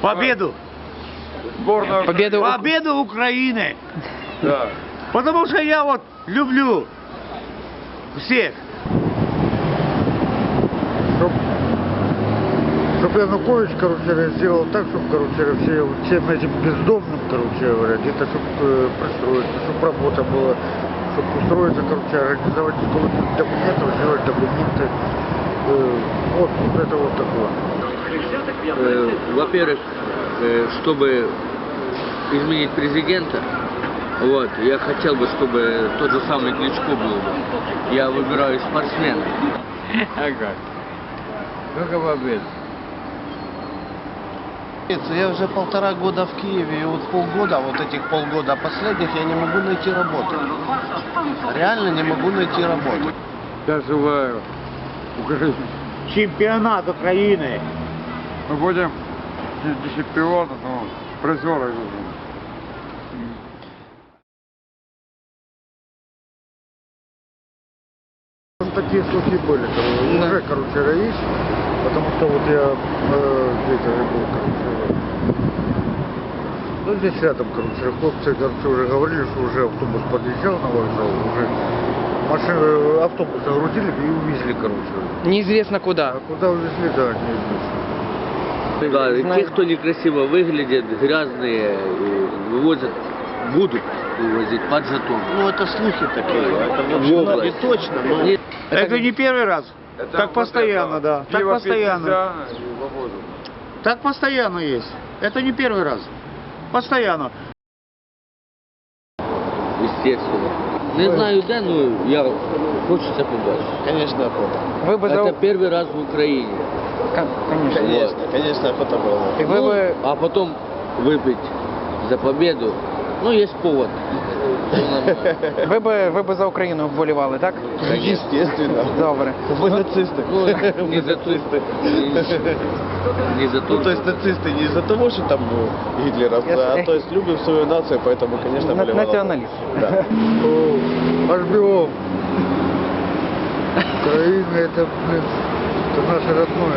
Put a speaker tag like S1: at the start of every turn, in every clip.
S1: Победу. Победу Украины.
S2: Да.
S1: Потому что я вот люблю всех.
S3: Чтобы Янукович, короче, сделал так, чтобы, короче, всем этим бездомным, короче говоря, где-то, чтобы пристроиться, чтобы работа была, чтобы устроиться, короче, организовать документы, сделать документы. Вот это вот такое.
S4: Во-первых, чтобы изменить президента, вот, я хотел бы, чтобы тот же самый Кличко был бы. Я выбираю спортсмена.
S2: Ага. Только побед.
S5: Я уже 1,5 года в Киеве, и вот полгода, вот этих полгода последних, я не могу найти работу. Реально не могу найти работу.
S2: Я желаю Украине.
S1: Чемпионат Украины.
S2: Мы будем не чемпионом, но призеры.
S3: Такие слухи были, уже, короче, есть, потому что вот я где-то был, короче, ну здесь рядом, короче, хлопцы, короче, уже говорили, что уже автобус подъезжал на вокзал, уже машины, автобус загрузили и увезли, короче.
S6: Неизвестно куда.
S3: А куда увезли, да, неизвестно.
S4: Да, те, кто некрасиво выглядят, грязные, вывозят, будут вывозить под жетон.
S5: Ну это слухи такие, это вот не точно, но...
S1: Это не первый раз. Так постоянно, да. Так постоянно. Так постоянно есть. Это не первый раз. Постоянно.
S4: Естественно. Не знаю, да, но я хочется побачить.
S5: Конечно, охота.
S6: Вы бы
S4: Это первый раз в Украине.
S6: Конечно.
S5: Конечно, конечно, охота была.
S6: И вы бы...
S4: А потом выпить за победу, ну, есть повод.
S6: Ви би за Україну вболівали, так?
S5: Естественно.
S6: Добре.
S5: Вы нацисты.
S4: Ну, не за нацисты. Не за то,
S5: Ну, то есть нацисты не из-за того, что там гитлеровцы, а то есть любим свою нацию, поэтому, конечно, болевала.
S6: Націоналіст.
S5: Да.
S3: Аж бегом. Украина это, блин, это наше родное.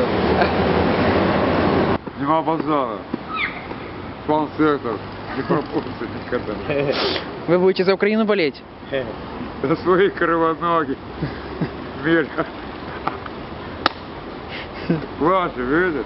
S2: Нема базара. Спан-сектор. Не пропустит никогда.
S6: Вы будете за Украину болеть?
S2: За свои кривоноги. Мир. Ваши, видишь?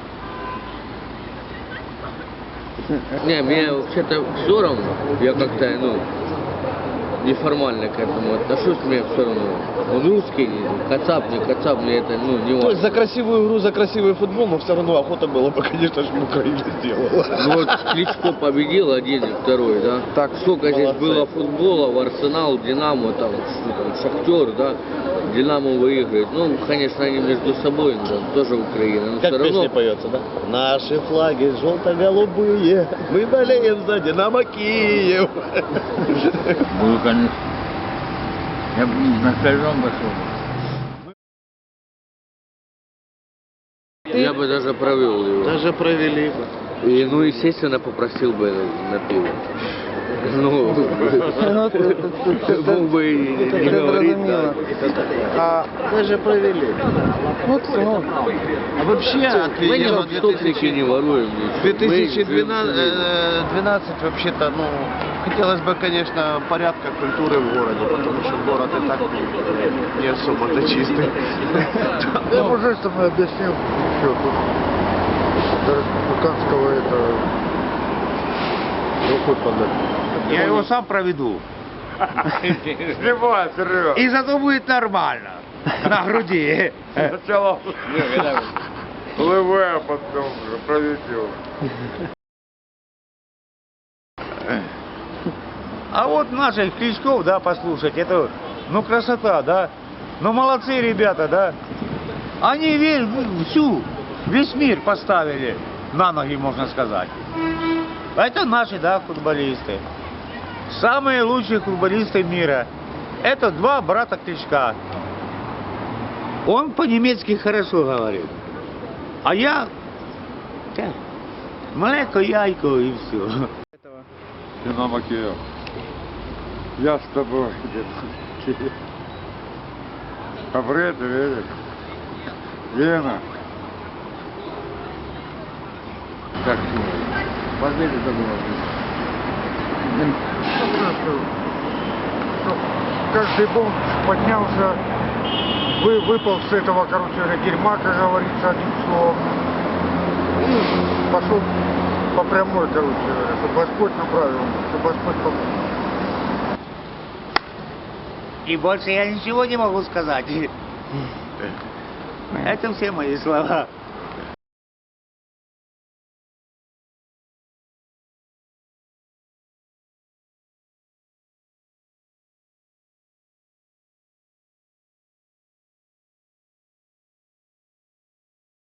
S4: Не, мне вообще-то все равно. Я как-то, ну, неформально к этому отношусь, мне все равно. Он русский, кацап, не кацап, мне это, ну, не важно.
S5: То есть за красивую игру, за красивый футбол, но все равно охота была бы, конечно же, Украина сделала.
S4: Ну вот Кличко победил один и второй, да?
S6: Так.
S4: Сколько здесь
S5: Молодцы.
S4: было футбола, в Арсенал, Динамо, там, что там, Шахтер, да? Динамо выигрывает. Ну, конечно, они между собой, да, тоже Украина. Но
S5: Как
S4: все
S5: в песне
S4: равно...
S5: поется, да? Наши флаги желто-голубые, мы болеем за Динамо Киев.
S2: Буду, конечно. Я бы на стадион пошел.
S4: Я бы даже провел его.
S5: Даже провели бы.
S4: И, ну, естественно, попросил бы на пиво. Ну, мог бы и не говорить, да.
S5: А даже провели.
S6: Вот, ну,
S5: А вообще,
S4: Мы не в стопнике не воруем. ничего.
S5: 2012 вообще-то, ну, хотелось бы, конечно, порядка, культуры в городе, потому что город и так не особо-то чистый.
S3: Я уже что мы объяснил, что тут до республиканского это рукой подать.
S1: Я его сам проведу.
S2: Снимай, Серега.
S1: И зато будет нормально. На груди.
S2: Сначала ЛВ, а потом уже проведел.
S1: А вот наших Кличков, да, послушать, это, ну, красота, да. Ну, молодцы ребята, да. Они весь мир поставили на ноги, можно сказать. Это наши, да, футболисты. Самые лучшие футболисты мира. Это два брата Кличка. Он по-немецки хорошо говорит. А я... Млеко, яйко и все.
S2: Динамо Киев. Я с тобой, Динамо. Побред, видишь? Лена. Так,
S4: Победа добра.
S3: Чтоб каждый бомж поднялся, выпал с этого, короче говоря, дерьма, как говорится, одним словом, и пошел по прямой, короче говоря, чтобы Господь направил, чтобы Господь помог.
S1: И больше я ничего не могу сказать. Это все мои слова.